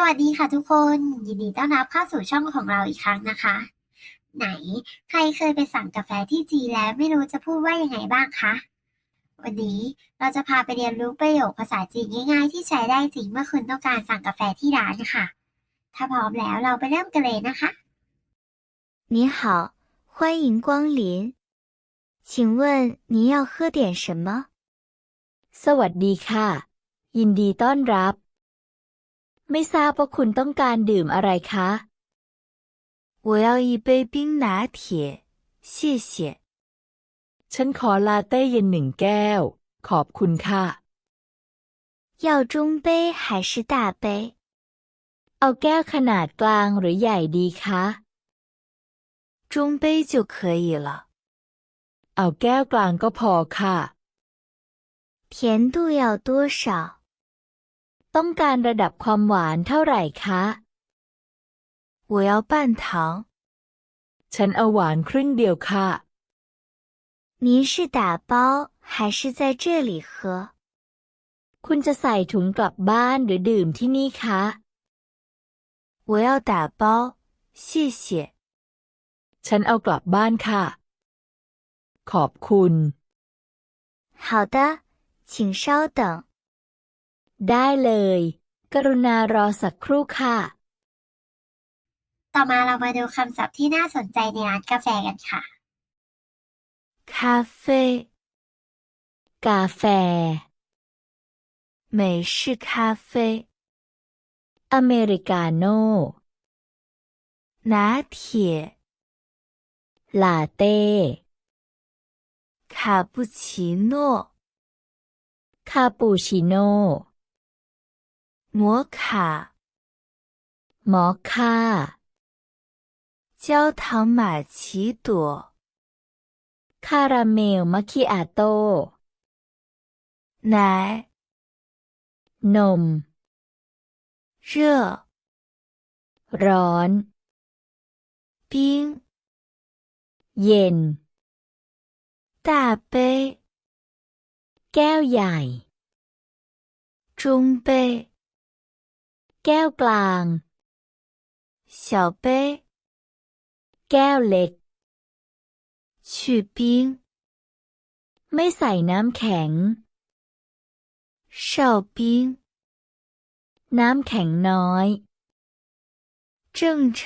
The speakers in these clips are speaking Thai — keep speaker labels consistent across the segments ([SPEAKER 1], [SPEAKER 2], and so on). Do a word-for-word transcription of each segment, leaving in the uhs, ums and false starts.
[SPEAKER 1] วัสดีค่ะทุกคน ยินดีต้อนรับเข้าสู่ช่องของเราอีกครั้งนะคะ ไหนใครเคยไปสั่งกาแฟที่จีนแล้วไม่รู้จะพูดว่ายังไงบ้างคะ วันนี้เราจะพาไปเรียนรู้ประโยคภาษาจีนง่ายๆที่ใช้ได้จริงเมื่อคุณต้องการสั่งกาแฟที่ร้านค่ะ ถ้าพร้อมแล้วเราไปเริ่มกันเลยนะคะ
[SPEAKER 2] 你好，欢迎光临。请问您要喝点什么？
[SPEAKER 3] สวัสดีค่ะ ยินดีต้อนรับ ไม่ทราบว่าคุณต้องการดื่มอะไรคะ
[SPEAKER 2] 我要一杯冰拿铁，谢谢。
[SPEAKER 3] ฉันขอลาเต้เย็นหนึ่งแก้ว ขอบคุณค่ะ
[SPEAKER 2] 要中杯还是大杯？
[SPEAKER 3] เอาแก้วขนาดกลางหรือใหญ่ดีคะ
[SPEAKER 2] 中杯就可以了。
[SPEAKER 3] เอาแก้วกลางก็พอค่ะ
[SPEAKER 2] 甜度要多少？
[SPEAKER 3] ต้องการระดับความหวานเท่าไหร่คะ
[SPEAKER 2] 我要半糖。
[SPEAKER 3] ฉันเอาหวานครึ่งเดียวค่ะ
[SPEAKER 2] 您是打包还是在这里喝？
[SPEAKER 3] คุณจะใส่ถุงกลับบ้านหรือดื่มที่นี่คะ
[SPEAKER 2] 我要打包，谢谢。
[SPEAKER 3] ฉันเอากลับบ้านค่ะ ขอบคุณ
[SPEAKER 2] 好的，请稍等。
[SPEAKER 3] ได้เลย กรุณารอสักครู่ค่ะ
[SPEAKER 1] ต่อมาเรามาดูคำศัพท์ที่น่าสนใจในร้านกาแฟกันค่ะ
[SPEAKER 2] 咖啡，
[SPEAKER 3] กาแฟ
[SPEAKER 2] 美式咖啡，
[SPEAKER 3] อเมริกาโน่
[SPEAKER 2] 拿铁，
[SPEAKER 3] ลาเต้
[SPEAKER 2] 卡布奇诺，
[SPEAKER 3] คาปูชิโน่
[SPEAKER 2] 摩卡，
[SPEAKER 3] มอคค่า
[SPEAKER 2] 焦糖玛奇朵，
[SPEAKER 3] คาราเมลมัคคิอาโต้
[SPEAKER 2] 奶，
[SPEAKER 3] นม
[SPEAKER 2] 热，
[SPEAKER 3] ร้อน
[SPEAKER 2] 冰，
[SPEAKER 3] เย็น
[SPEAKER 2] 大杯，
[SPEAKER 3] แก้วใหญ่
[SPEAKER 2] 中杯，
[SPEAKER 3] แก้วกลาง
[SPEAKER 2] 小杯，
[SPEAKER 3] แก้วเล็ก
[SPEAKER 2] 去冰，
[SPEAKER 3] ไม่ใส่น้ำแข็ง
[SPEAKER 2] 少冰，
[SPEAKER 3] น้ำแข็งน้อย
[SPEAKER 2] 正常，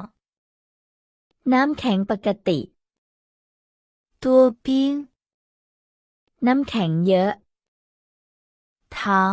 [SPEAKER 3] น้ำแข็งปกติ
[SPEAKER 2] 多冰，
[SPEAKER 3] น้ำแข็งเยอะ
[SPEAKER 2] 糖，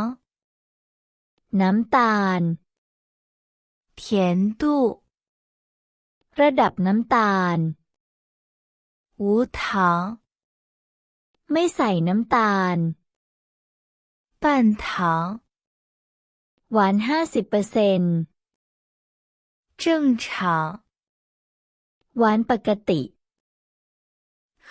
[SPEAKER 3] น้ำตาล
[SPEAKER 2] 甜度，
[SPEAKER 3] ระดับน้ำตาล
[SPEAKER 2] 无糖，
[SPEAKER 3] ไม่ใส่น้ำตาล
[SPEAKER 2] 半糖，
[SPEAKER 3] หวานห้าสิบเปอร์เซ็นต์
[SPEAKER 2] 正常，
[SPEAKER 3] หวานปกติ
[SPEAKER 2] 喝，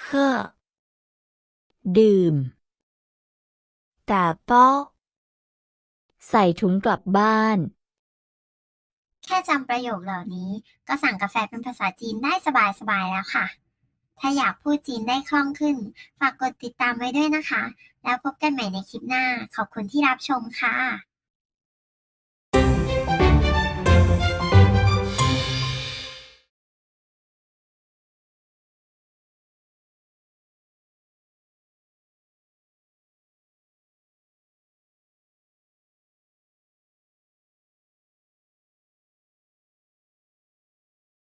[SPEAKER 3] ดื่ม
[SPEAKER 2] 打包，
[SPEAKER 3] ใส่ถุงกลับบ้าน
[SPEAKER 1] แค่จำประโยคเหล่านี้ก็สั่งกาแฟเป็นภาษาจีนได้สบายๆแล้วค่ะ ถ้าอยากพูดจีนได้คล่องขึ้น ฝากกดติดตามไว้ด้วยนะคะ แล้วพบกันใหม่ในคลิปหน้า ขอบคุณที่รับชมค่ะ